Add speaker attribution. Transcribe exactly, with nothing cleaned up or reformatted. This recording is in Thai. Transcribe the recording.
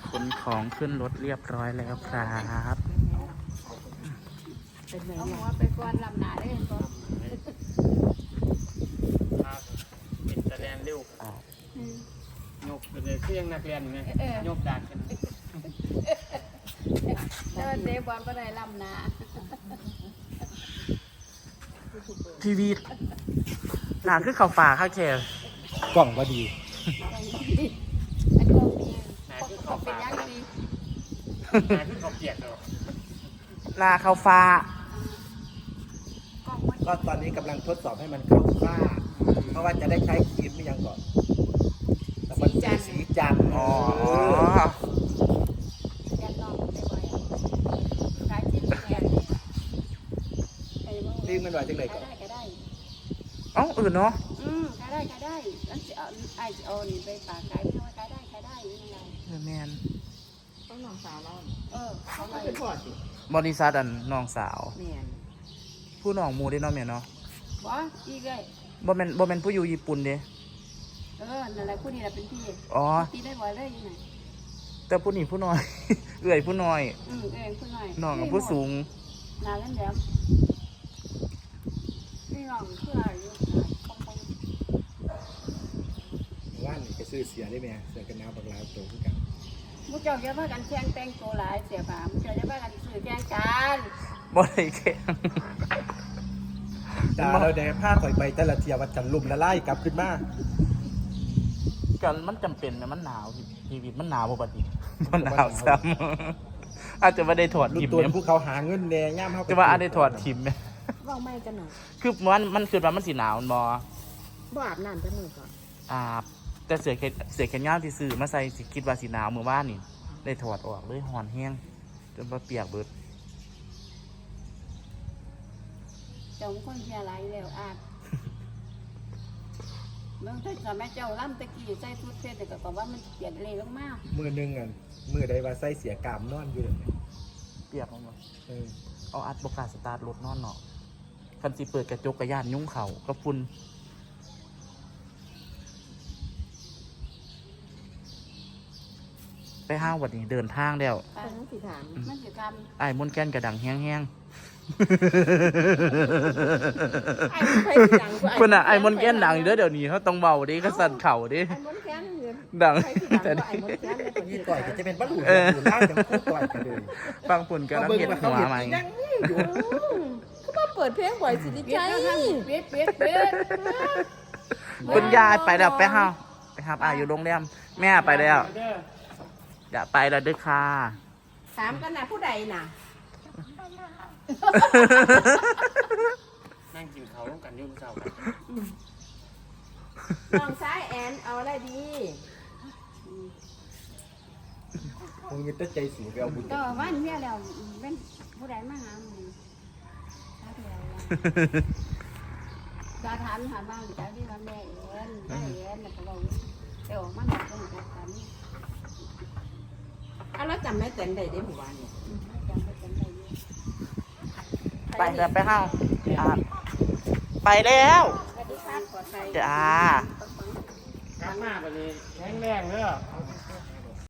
Speaker 1: ขนของขึ้นรถเรียบร้อยแล้วครับ
Speaker 2: เอาหัวไปก่อนลำหนาได้เห็นก่อน
Speaker 3: เป็นแสดงเร็วยกเป็นเครื่องนักเรียนไงยกดักกัน
Speaker 2: เดินเดบอลก็ได้ลำหนา
Speaker 1: ทีวีหนาขึ้นเข่าฝ่าข้าแค่
Speaker 4: กล่องก็ดี
Speaker 2: อันก็มีเขาเป็นยังดี
Speaker 3: นาขึ้นเขาเปียกเลย
Speaker 1: ลาเข่าฝ่า
Speaker 4: ก็ตอนนี้กำลังทดสอบให้มันเข้าฝ้าเพราะว่าจะได้ใช้ครีมไม่ยังก่อนแต่มันเป็นสีจันทร์
Speaker 1: อ๋อ
Speaker 2: ยันนองได้บ่อยขายจิ้มแกง
Speaker 4: ครีมมันไหวจังเลยก่อน
Speaker 2: ได้ก็ได้
Speaker 1: เอ้าอื่นเนาะ
Speaker 2: อืมขายได้ขายได้นั่นจะเอาไอ้จะเอานี่ไปฝากขายไม่ว่าขายได้ขายได้ยังไง
Speaker 1: เออแมน
Speaker 2: ต้องน้องสาวเราเออเขาเป็นพอสิ
Speaker 1: บริษัทอันน้องสาว
Speaker 2: แมน
Speaker 1: ผู้น้องมูได้เนาะแม่เนาะ
Speaker 2: บ่อีกเลย
Speaker 1: บ่แม่นบ่แม่นผู้อยู่ญี่ปุ่นเด้
Speaker 2: เออนั่นแหละผู้นี้แหละเป็นพี่
Speaker 1: อ๋อ
Speaker 2: ตีได้บ่อยเลยยังไง
Speaker 1: แต่ผู้นี้ผู้น้อย เอื่อยผู้น้อย
Speaker 2: อืมเอื่อยผู้น้อย
Speaker 1: น้องกับผู้สูง
Speaker 2: นานแล้วแล้วนี่น้องคืออะไรอยู่ปอง
Speaker 4: ๆว่านนี่ก็ซื้อเสียได้ไหมเสียกันหนาวบักลาวโตขึ้นกัน
Speaker 2: มุกเจ้าจะว่ากันแข่งแต่งตัวหลายเสียป่ามุกเจ้าจะว่ากันสื่อแข่งกัน
Speaker 1: บ่ได้แข่ง
Speaker 4: ดาเราได้ผ้าข่อยใบแต่ละเทียวัดจันลุ่มละลายกลับขึ้นมา
Speaker 1: กันมันจำเป็นนะมันหนาวชีวิตมันหนาวปกติมันหนาวซ้ำอาจจะไม่ได้ถอดทิม
Speaker 4: เนี่ยพวกเขาหาเงินแน่ย่ามเขา
Speaker 1: จะว่าอาจจะถอดทิมไหม
Speaker 2: ว่าไม่กันหน่อย
Speaker 1: คือมันมันคือว่ามันสีหนาวมอ
Speaker 2: บ่อาบน้ำจะมือก่อน
Speaker 1: อาบแต่เสือแขนเสือแขนยาวที่ซื้อมาใส่สิคิดว่าสีหนาวเมื่อวานนี่ได้ถอดออกเลยหอนแห้งจนว่าเปียกเบิด
Speaker 2: เจ้าคนเชียร์ไรแล้วอาบเมื่อที่สมัยเจ้าล่ำตะกี้ใส่ชุดเสื้อแต่ก็ว่ามันเปียกเลยลงมาก
Speaker 4: มือหนึ่งอ่ะมือใดว่าใส่เสียกามนอนอยู่เลย
Speaker 1: เปียกมั้งเออเอาอัดบกาสตาร์ทรถนอนเนาะคันสิเปิดกระจกกระยานยุ่งเข่าก็ฝุ่นไปห้าวันนี้เดินทางแล้ว
Speaker 2: มันสิถามมันสิทำ
Speaker 1: ไอ้มนแก้นกระดังแห้งๆคนอ่ะไอ้มนแก้นดังอยู่เดี๋ยวนี้เขาต้องเบาดิก็สั่นเข่าดิดังแต่
Speaker 4: นี่ต่อยก็จะเป็นบ้าหลุดหลุดล่างจังคู่ต่อยกันเลย
Speaker 1: ฟังฝุ่นกันแล้วเห็นหัวไหม
Speaker 2: เขามาเปิดเพลงบ่อยสิดิใจเปี๊ยดเปี๊ยดเปี๊ยด
Speaker 1: คุณยายไปแล้วไปห้าไปห้าอ่ะอยู่โรงแรมแม่ไปแล้วอย่าไปแล้วด้วยค่ะ
Speaker 2: ถามกันนะผู้ใดน่ะ
Speaker 3: นั่งกินเขาต้องกันยุ่งเจ้า
Speaker 2: น้องซ้ายแอนเอาอะไรดี
Speaker 4: คงมีแต่ใจสูงไปเอาบุญ
Speaker 2: ก็วันเมียแล้วเป็นผู้ใดมาหามึงจะถามถามบ้างจะที่ว่าแม่เอ็นแม่เอ็นแล้วก็บอกเดี๋ยวมันจะต้องจัดการอ่ะแล้วจำแม่เต็นได้ได้หมู่บ้านเนี่ย
Speaker 1: ไปแล้วไปห้าไปแล้ว
Speaker 2: สวัสดีครับขอใจ
Speaker 1: จ้า
Speaker 3: ข้างหน้าไปเลยแข็งแรงเลย